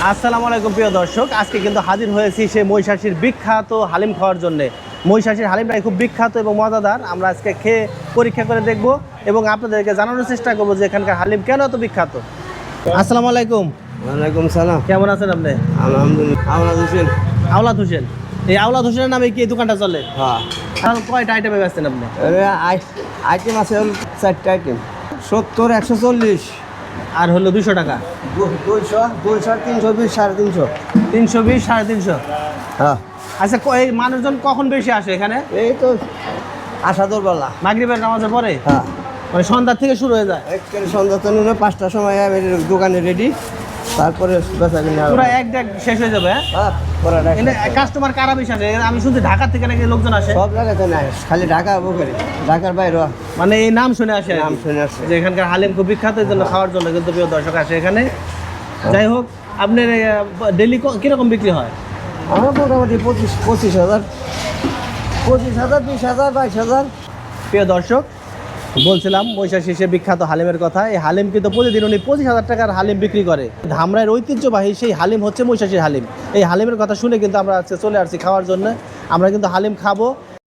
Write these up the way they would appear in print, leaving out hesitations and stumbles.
আসসালামু আলাইকুম প্রিয় দর্শক, আজকে কিন্তু হাজির হয়েছি সেই মহিষাসীর বিখ্যাত হালিম খাওয়ার জন্য। মহিষাসীর হালিমটাই খুব বিখ্যাত এবং মজাদার। আমরা আজকে খেয়ে পরীক্ষা করে দেখব এবং আপনাদেরকে জানানোর চেষ্টা করবো যে এখানকার হালিম কেন এত বিখ্যাত। আসসালামু আলাইকুম। ওয়ালাইকুম সালাম। কেমন আছেন আপনি? আলহামদুলিল্লাহ। আওলাদ হোসেন। আওলাদ হোসেন। এই আওলাদ হোসেনের নামে কি এই দোকানটা চলে? হ্যাঁ। আর কয়টা আইটেমে বেচছেন আপনি? আইটেম আছে 4টা আইটেম। 70, 140 আর হলো 200 টাকা। 200, 320, 350। 320, 350। হ্যাঁ। আচ্ছা, এই মানুষজন কখন বেশি আসে এখানে? এই তো আসাদুর বেলা। মাগরিবের নামাজের পরে? হ্যাঁ। মানে সন্ধ্যা থেকে শুরু হয়ে যায়? একেবারে সন্ধ্যা তো 5টার সময় আমি দোকানে রেডি, তারপরে বেচা কিনা পুরো এক ডেক শেষ হয়ে যাবে। হ্যাঁ পরে কাস্টমার কারা বেশি আসে? আমি শুনছি ঢাকা থেকে নাকি লোকজন আসে। সব জায়গাতে নাই, খালি ঢাকা বুকেরি, ঢাকার বাইরে মানে এই নাম শুনে আসে, নাম শুনে আসছে যে এখানকার হালিম খুব বিখ্যাত, এই জন্য খাওয়ার জন্য কিন্তু প্রিয় দর্শক আসে এখানে। যাই হোক, আপনার ডেলি কিরকম বিক্রি হয়? আমার মোটামুটি 25,000, 20,000, 20,000, 22,000। প্রিয় দর্শক, বলছিলাম মহিষাসীর সে বিখ্যাত হালিমের কথা। এই হালিম কিন্তু প্রতিদিন উনি 25,000 টাকার হালিম বিক্রি করে। ধামরাইয়ের ঐতিহ্যবাহী সেই হালিম হচ্ছে মহিষাসীর হালিম। এই হালিমের কথা শুনে কিন্তু আমরা আজকে চলে আসছি খাওয়ার জন্য। আমরা কিন্তু হালিম খাবো,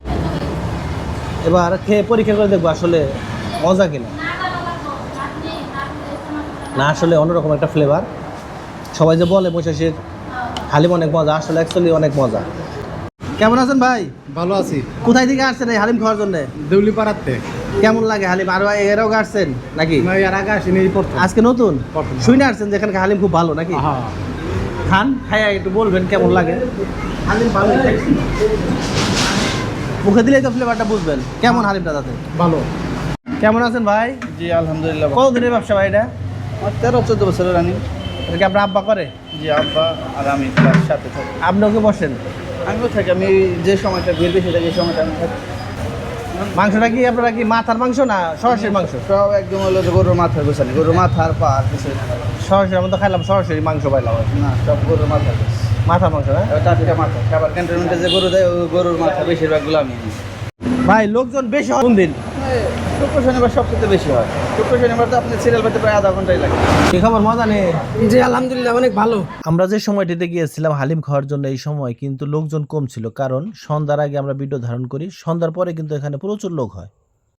এবার খেয়ে পরীক্ষা করে দেখবো আসলে মজা কিনা। না, আসলে অন্যরকম একটা ফ্লেভার। সবাই যে বলে মহিষাসীর হালিম অনেক মজা, আসলে অ্যাকচুয়ালি অনেক মজা। কেমন আছেন ভাই? ভালো আছি। কোথায় থেকে আসছেন এই হালিম খাওয়ার জন্য? দেউলিপাড়াতে। কেমন লাগে হালিম? আর এরাও আসছেন নাকি? আমি এর আগে আসিনি, এই প্রথম। আজকে নতুন প্রথম। শুনে আসছেন যে এখানকার হালিম খুব ভালো নাকি? হ্যাঁ। খান, খাইয়া একটু বলবেন কেমন লাগে। হালিম ভালো, মুখে দিলেই তো ফ্লেভারটা বুঝবেন কেমন হালিমটা। তাতে ভালো। কেমন আছেন ভাই? জি আলহামদুলিল্লাহ। কতদিনের ব্যবসা ভাই এটা? 13-14 বছরের রানি। এটা কি আপনার আব্বা করে? জি আব্বা আর আমি ক্লাস সাথে থাকি। আপনিও কি বসেন? আমিও থাকি, আমি যে সময়টা ভিড় বেশি থাকে এই সময়টা আমি থাকি। মাংসটা কি আপনারা কি মাথার মাংস না সরাসরি মাংস? সব একদম হলো যে গরুর মাথার গোছানি, গরুর মাথার পা আর কিছু না। সরাসরি আমরা তো খাইলাম সরাসরি মাংস পাইলাম। না, সব গরুর মাথার গোছ। মাথার মাংস না? টাটকা মাথা। খাবার ক্যান্টনমেন্টে যে গরু দেয় ওই গরুর মাথা বেশিরভাগগুলো আমি আনি। ভাই লোকজন বেশি হয় কোন দিন? শুক্র শনিবার সবচেয়ে বেশি হয়। শুক্র শনিবার তো আপনি সিরিয়াল পেতে প্রায় আধা ঘন্টাই লাগে। কি খবর, মজা নেই? জি আলহামদুলিল্লাহ, অনেক ভালো। আমরা যে সময়টিতে গিয়েছিলাম হালিম খাওয়ার জন্য, এই সময় কিন্তু লোকজন কম ছিল, কারণ সন্ধ্যার আগে আমরা ভিডিও ধারণ করি, সন্ধ্যার পরে কিন্তু এখানে প্রচুর লোক হয়।